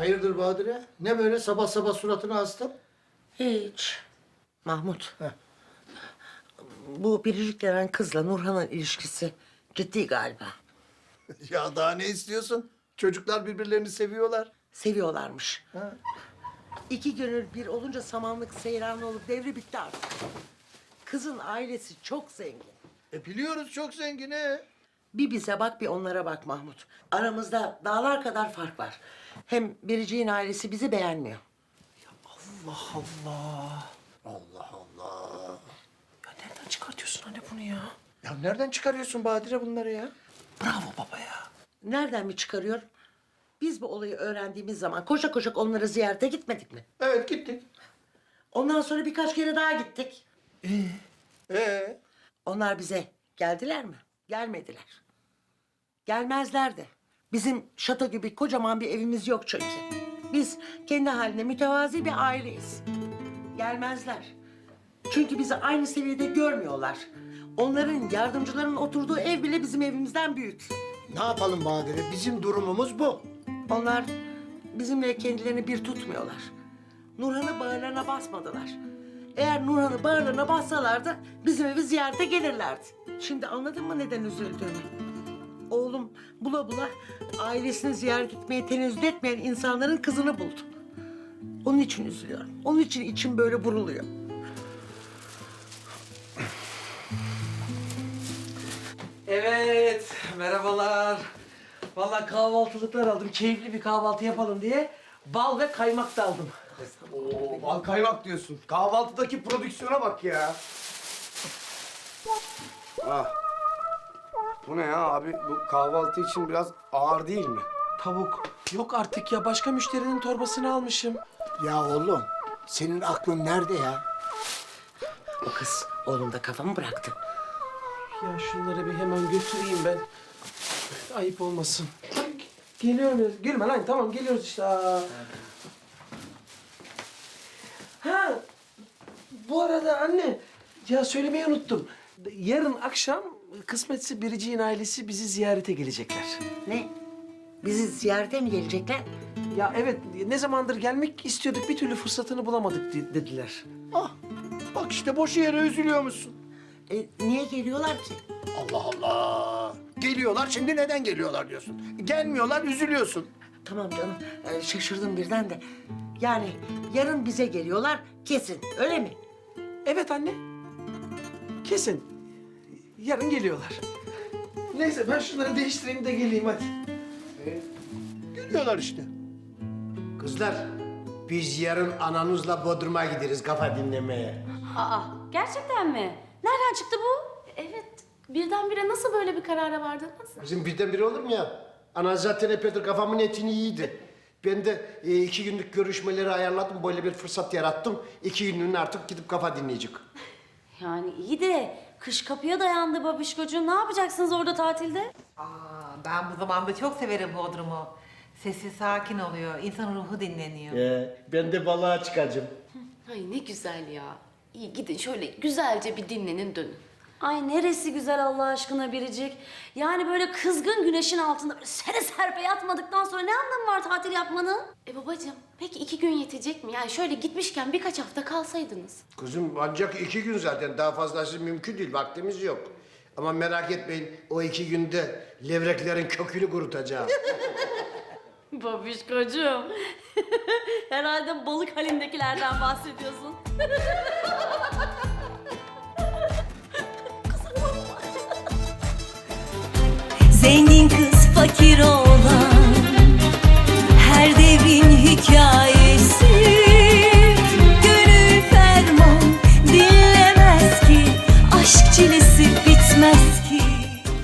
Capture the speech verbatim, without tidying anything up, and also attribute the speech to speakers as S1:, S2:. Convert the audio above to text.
S1: Hayırdır Badire? Ne böyle sabah sabah suratını astın?
S2: Hiç. Mahmut.
S1: Heh.
S2: Bu Biricik denen kızla Nurhan'ın ilişkisi ciddi galiba.
S1: Ya daha ne istiyorsun? Çocuklar birbirlerini seviyorlar.
S2: Seviyorlarmış.
S1: Ha.
S2: İki gönül bir olunca samanlık seyran olup devri bitti artık. Kızın ailesi çok zengin.
S1: E biliyoruz çok zengini.
S2: Bir bize bak bir onlara bak Mahmut. Aramızda dağlar kadar fark var. Hem Biricik'in ailesi bizi beğenmiyor.
S3: Allah Allah.
S1: Allah Allah.
S3: Ya nereden çıkartıyorsun anne bunu ya?
S1: Ya nereden çıkarıyorsun Badire bunları ya?
S3: Bravo baba ya.
S2: Nereden mi çıkarıyorum? Biz bu olayı öğrendiğimiz zaman koşa koşa onları ziyarete gitmedik mi?
S1: Evet gittik.
S2: Ondan sonra birkaç kere daha gittik.
S1: Ee?
S2: Onlar bize geldiler mi? Gelmediler. Gelmezler de. Bizim şato gibi kocaman bir evimiz yok çünkü. Biz kendi haline mütevazi bir aileyiz. Gelmezler. Çünkü bizi aynı seviyede görmüyorlar. Onların, yardımcıların oturduğu ev bile bizim evimizden büyük.
S1: Ne yapalım Badire? Bizim durumumuz bu.
S2: Onlar bizimle kendilerini bir tutmuyorlar. Nurhan'ı bağırlarına basmadılar. Eğer Nurhan'ı bağırlarına bassalardı bizim evi ziyarete gelirlerdi. Şimdi anladın mı neden üzüldüğümü? Oğlum bula bula ailesini ziyaret etmeye tenezzül etmeyen insanların kızını buldu. Onun için üzülüyorum. Onun için içim böyle buruluyor.
S3: Evet, merhabalar. Vallahi kahvaltılıklar aldım. Keyifli bir kahvaltı yapalım diye bal ve kaymak da aldım.
S4: Oo, bal kaymak diyorsun. Kahvaltıdaki prodüksiyona bak ya. Ah. Bu ne ya abi? Bu kahvaltı için biraz ağır değil mi?
S3: Tavuk. Yok artık ya. Başka müşterinin torbasını almışım.
S1: Ya oğlum senin aklın nerede ya?
S2: O kız oğlum da kafamı bıraktı.
S3: Ya şunları bir hemen götüreyim ben. Ayıp olmasın. Geliyorum. ya. Gülme lan. Tamam geliyoruz işte. Aa. Ha. Bu arada anne. Ya söylemeyi unuttum. Yarın akşam kısmetse Biricik'in ailesi bizi ziyarete gelecekler.
S2: Ne? Bizi ziyarete mi gelecekler?
S3: Ya evet, ne zamandır gelmek istiyorduk, bir türlü fırsatını bulamadık de- dediler.
S1: Ah bak işte boş yere üzülüyor musun?
S2: E, niye geliyorlar ki?
S1: Allah Allah. Geliyorlar şimdi neden geliyorlar diyorsun. Gelmiyorlar üzülüyorsun.
S2: Tamam canım, e, şaşırdım birden de. Yani yarın bize geliyorlar kesin, öyle mi?
S3: Evet anne, kesin. Yarın geliyorlar. Neyse, ben şunları değiştireyim de geleyim hadi.
S1: Geliyorlar işte.
S4: Kızlar, biz yarın ananızla Bodrum'a gideriz kafa dinlemeye.
S5: Aa, gerçekten mi? Nereden çıktı bu? Evet, birdenbire nasıl böyle bir karara vardınız?
S4: Bizim birdenbire olur mu ya? Ana zaten epeydir kafamın etini yiydi. Ben de e, iki günlük görüşmeleri ayarladım, böyle bir fırsat yarattım. İki günlüğüne artık gidip kafa dinleyecek.
S5: Yani iyi de kış kapıya dayandı babişkocuğum. Ne yapacaksınız orada tatilde?
S6: Aa, ben bu zamanda çok severim Bodrum'u. Sesi sakin oluyor, insan ruhu dinleniyor.
S4: Ee, ben de balığa çıkacağım.
S7: Ay ne güzel ya. İyi gidin şöyle güzelce bir dinlenin dönün.
S5: Ay neresi güzel Allah aşkına Biricik. Yani böyle kızgın güneşin altında böyle sere serpe yatmadıktan sonra ne anlamı var tatil yapmanın?
S7: E babacığım peki iki gün yetecek mi? Yani şöyle gitmişken birkaç hafta kalsaydınız.
S4: Kızım ancak iki gün zaten, daha fazlası mümkün değil, vaktimiz yok. Ama merak etmeyin, o iki günde levreklerin kökünü kurutacağım.
S5: Babişkocuğum. Herhalde balık halindekilerden bahsediyorsun.
S8: Zengin kız fakir ol